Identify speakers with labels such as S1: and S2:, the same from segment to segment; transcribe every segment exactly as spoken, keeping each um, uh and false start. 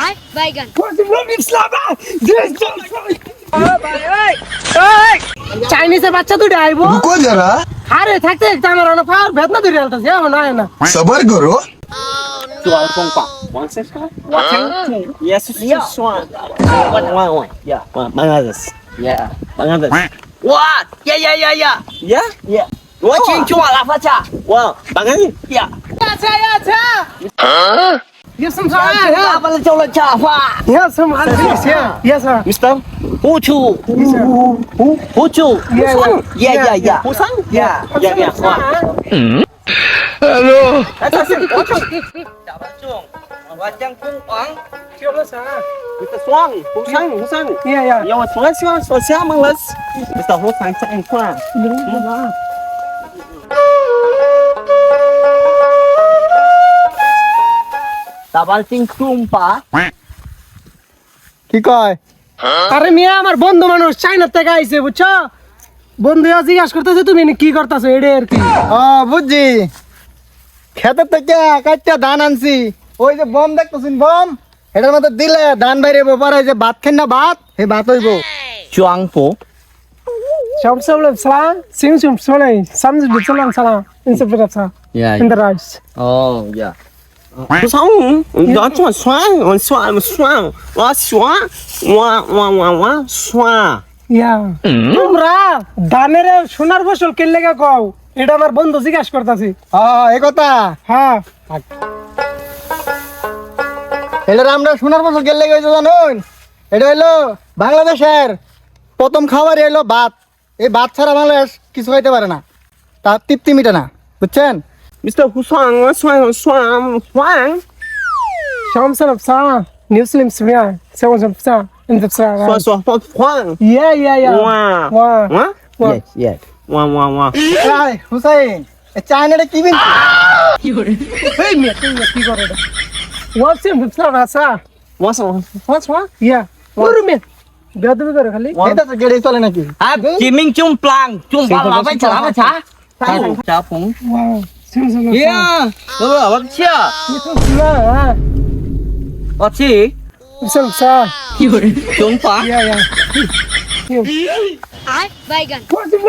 S1: বাইগান
S2: চাইনিজের বাচ্চা দুটো আইবো
S3: रुको जरा
S2: আরে থাকতে থাকতে আমার অনেক ফার বেদনা ধরে আলতাছে এখন আয় না
S3: सबर करो
S4: Jual kompak. One six five. One two. Yes, yes, one. One, one, one. Yeah. One, Bangladesh. Yeah. Bangladesh.
S5: 哇呀呀呀呀！
S4: Yeah. Yeah.
S5: 我请求我拉发卡
S4: Wow. Bangladesh.
S5: 呀！
S2: আচ্ছা আচ্ছা yes sir
S5: 拉发了叫了卡发，
S2: yes sir yes sir
S4: Mister.
S5: 不出
S4: Who?
S5: 不出，
S2: Yeah,
S5: 呀呀呀！
S4: Busan?
S5: Yeah.
S4: Yeah, yeah. Wow.
S5: 来，这是我中，打不中，我将攻王。
S4: Mister Swang. Busan. Busan.
S2: Yeah yeah
S4: Ya,我从来喜欢说厦门人。Mister Busan 这一块。
S5: 打完进攻吧，
S2: কি কয় আরে মিয়া আমার বন্ধু মানুষ চাইনা থেকে আইছে বুঝছো বন্ধু জিজ্ঞাসা করতেছে তুমি এনে কি করতেছো এডে আর কি
S6: ও বুঝছি খেতের থেকে কাটটা ধান আনছি ওই যে বম দেখতেছেন বম এটার মধ্যে দিলে ধান বাইরে পরে যে ভাত খান না ভাত এই ভাত হইব
S5: 装不，
S2: সব সব সালা সিম সিম সলে সামজ বিচলাম সালা ইনসে ফিরাছা
S5: Yeah.
S2: In the rice
S5: Oh yeah.
S4: 不是我，你要做酸，我酸，我酸，我酸，我我我我酸。
S2: yeah তোমরা ধানের সোনার ফসল কেন লাগা কও এটা আমার বন্ধু জিজ্ঞাসা করতেছি
S6: হ্যাঁ এই কথা
S2: হ্যাঁ
S6: এটা আমরা সোনার ফসল গেলে গেছে জানুন এটা হইলো বাংলাদেশের প্রথম খাবার হইলো ভাত এই ভাত ছাড়া বাংলাদেশ কিছু খাইতে পারে না তার তৃপ্তি মিটে না বুঝছেন
S4: Mister 胡酸，我酸，我酸，酸。
S2: শাম সালাম সা নিউসলিম সুমিয়া সেভেন সালাম সা ইন দ্য সা
S4: 说说说酸，
S2: ইয়া ইয়া ইয়া
S4: 哇
S2: ওয়া
S4: 哇
S5: Yes yes.
S4: 哇哇哇！
S6: এই হুসাইন এই চায়নাটা কি বিন
S2: এই মিয়া তুমি কি করে এটা ওয়া সিম সা সা
S4: 我什么？我什么？
S2: ইয়া ওরে মিয়া বেদবি করে খালি
S6: এটা তো গেড়ে চলে নাকি
S5: 啊，金明中 plang 中巴拉贝查拉贝查，查风。
S2: ওয়া সিম সিম
S5: Yeah，对不？我去，
S2: ইয়া হ্যাঁ
S5: 我去，
S2: সিম সা
S5: 中华。
S2: ইয়া ইয়া
S1: বাইগান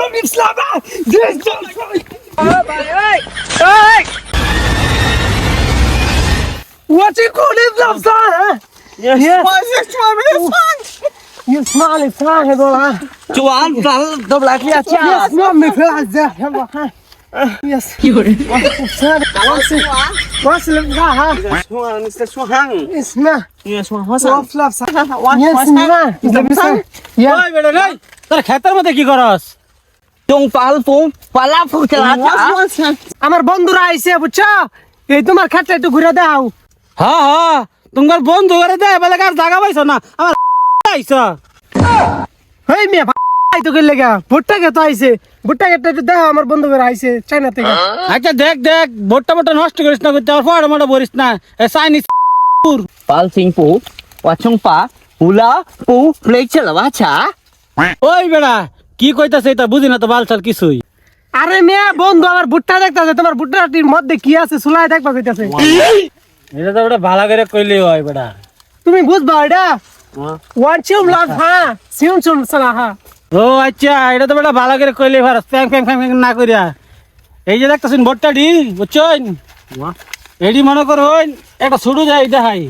S2: What's it called in the sun?
S4: Yes.
S2: Yes.
S4: Why is it酸？
S2: You smell it, fly it all.
S5: 中华咱都来这
S2: Yes,
S5: 家。
S2: no, me fly there. Yes. What's that? What's it? What's it? Ha ha.
S4: 酸，Mister 酸。
S2: It's not.
S4: Yes，酸，我
S2: So
S4: 酸。
S2: fluff. Yes,
S4: 我
S2: no. It's the same. Yeah.
S7: ওই বেটা রে তোর ক্ষেতের মধ্যে কি করস
S5: 中华风巴拉风查拉查。
S2: আমার বন্ধুরা আইছে বুঝছো এই তোমার খাটটা একটু ঘুরে দাও
S7: হ্যাঁ হ্যাঁ তোমার বন্ধু করে দে বলে কার জায়গা পাইছ না আমার আইছ
S2: এই মিয়া ভাই তো গেলে গা ভুট্টা কে তো আইছে ভুট্টা কে একটু দাও আমার বন্ধুরা আইছে চাইনা থেকে
S7: আচ্ছা দেখ দেখ ভোটটা ভোটটা নষ্ট করিস না করতে আর ফড় মোটা বলিস না এ চাইনিজ
S5: 巴拉金布，我中华乌拉布雷查拉瓦查。
S7: ওই বেটা কি কইতাছে এটা বুঝি না তো বালছাল কিছুই
S2: আরে মিয়া বন্ধু আমার ভুট্টা দেখতাছে তোমার ভুট্টাটির মধ্যে কি আছে সুলাই দেখবা কইতাছে
S7: এটা তো বেটা ভালো করে কইলি হয় বেটা
S2: তুমি বুঝবা এটা ওয়ান চিম লাভ হ্যাঁ সিম চুম সালা হ্যাঁ
S7: ও আচ্ছা এটা তো বেটা ভালো করে কইলি ভারত প্যাং প্যাং প্যাং প্যাং না কইরা এই যে দেখতাছেন ভোটটাডি বুঝছেন এডি মনে করুন একটা ছুটু যায় দেখাই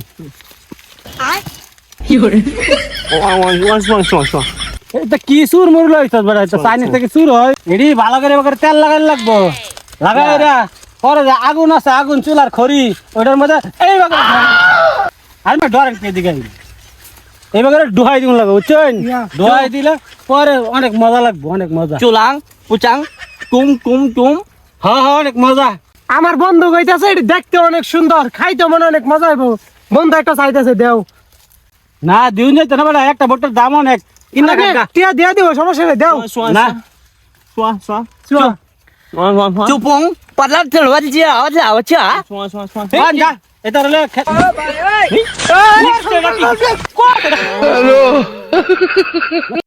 S4: 我我我酸酸酸。
S7: এটা কি সুর মুর লইছ বেটা এটা চাইনিজ থেকে সুর হয় এডি ভালো করে করে তেল লাগাই লাগবো লাগাই রা পরে যে আগুন আছে আগুন চুলার খড়ি ওটার মধ্যে এই বাগে আর মা ডরেন কে দিকে এই বাগে ডুহাই দিন লাগবে বুঝছেন ডুহাই দিলে পরে অনেক মজা লাগবে অনেক মজা
S5: 九郎不长，公公公。
S7: হ্যাঁ হ্যাঁ অনেক মজা
S2: আমার বন্ধু কইতাছে এটা দেখতে অনেক সুন্দর খাইতে মনে অনেক মজা হইব বন্ধু একটা চাইতেছে দেও
S7: না দিন যাইতে না বেটা একটা ভোটের দাম অনেক কিনা কাকা
S2: টিয়া দিয়া দিব সমস্যা নেই দেও
S4: 酸
S7: না
S4: 酸酸
S2: চুয়া
S4: 酸酸酸
S5: 就崩，巴拉这罗家，我家我家。
S4: 酸酸酸。
S7: বান যা এটা হলে
S2: হ্যালো